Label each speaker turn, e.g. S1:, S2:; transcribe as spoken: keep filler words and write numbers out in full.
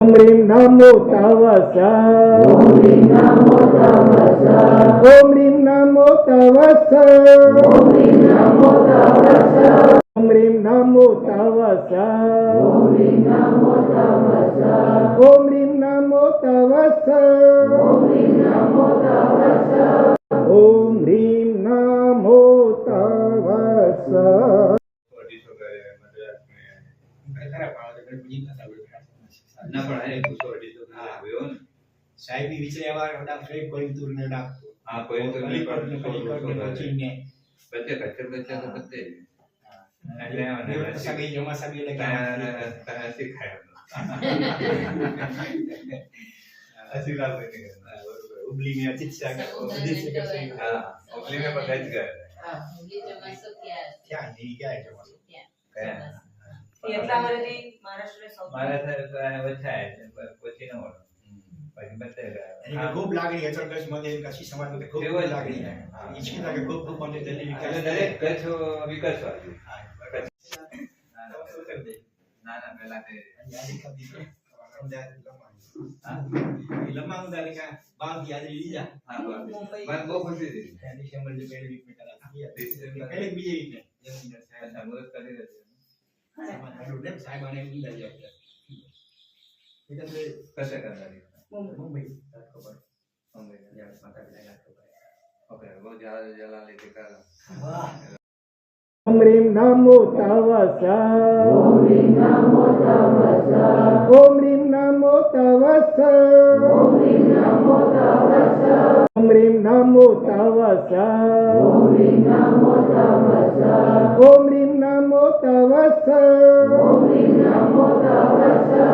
S1: ओम ह्रीं नमो तवसा ओम ह्रीं नमो तवसा ओम ह्रीं नमो तवसा ओम ह्रीं नमो तवसा ओम ह्रीं नमो तवसा ओम ह्रीं नमो तवसा ओम ह्रीं नमो तवसा ओम ह्रीं नमो तवसा ओम ह्रीं नमो तवसा।
S2: ના પણ આ પૂછો અડી તો આવ્યો ને
S3: સાહેબ ની વિશે એવા ઓડા ફ્રેક કોઈમ્બતુર ને નાખતો
S2: હા કોઈમ્બતુર ને
S3: કોઈમ્બતુર ને ચીને
S2: બચ્ચે કચ્ચર બચ્ચે તો બચ્ચે
S3: એટલે મને સગી જમા સગી લે
S2: તા શીખાય અસી લાલ બની ગયા બરોબર ઉબલી મે અચિત શાક ઉબલી સે કે હા ઉબલી મે બધા જ ગયા
S4: હા ઉબલી જમા સો ક્યાં
S3: क्या नहीं क्या है जमा
S2: કયા
S5: એટલા વર્ષથી મહારાષ્ટ્ર સૌથી
S2: મહારાષ્ટ્ર વચ્ચે પછી ન હોય પછી બચ્ચે
S3: અને ખૂબ લાગણી અચરકસ મને કશી સમાજ માં ખૂબ લાગણી है ઈચ્છે था कि खूब खूब મને જલ્દી વિકાસ
S2: દરેક કચ્છ વિકાસ વાળું
S3: હા
S2: ના ના પહેલા તે
S3: યાદ કરી દીધું હા લમ્મા ઉદારી का बाप याद लीजा
S2: હા બસ બહુ ખુશી થઈ
S3: दिसंबर जो पहले वीक में करा था पहले बीजे वीक में जमीन साहब
S2: મુહૂર્ત કરી રહ્યો
S3: साहेब साहेब आने लीजा जाओ इधर से
S2: કશે કરતા
S3: मुंबई खबर
S2: मुंबई
S3: या माता पिता खबर
S2: ओके वो जला जला लेके कर
S3: वाह
S1: ओम ह्रीं नमो तवसा ओम ह्रीं नमो तवसा ओम ह्रीं नमो तवसा ओम ह्रीं नमो तवसा ओम ह्रीं नमो तवसा ओम ह्रीं नमो तवसा ओम ह्रीं नमो तवसा ओम ह्रीं नमो तवसा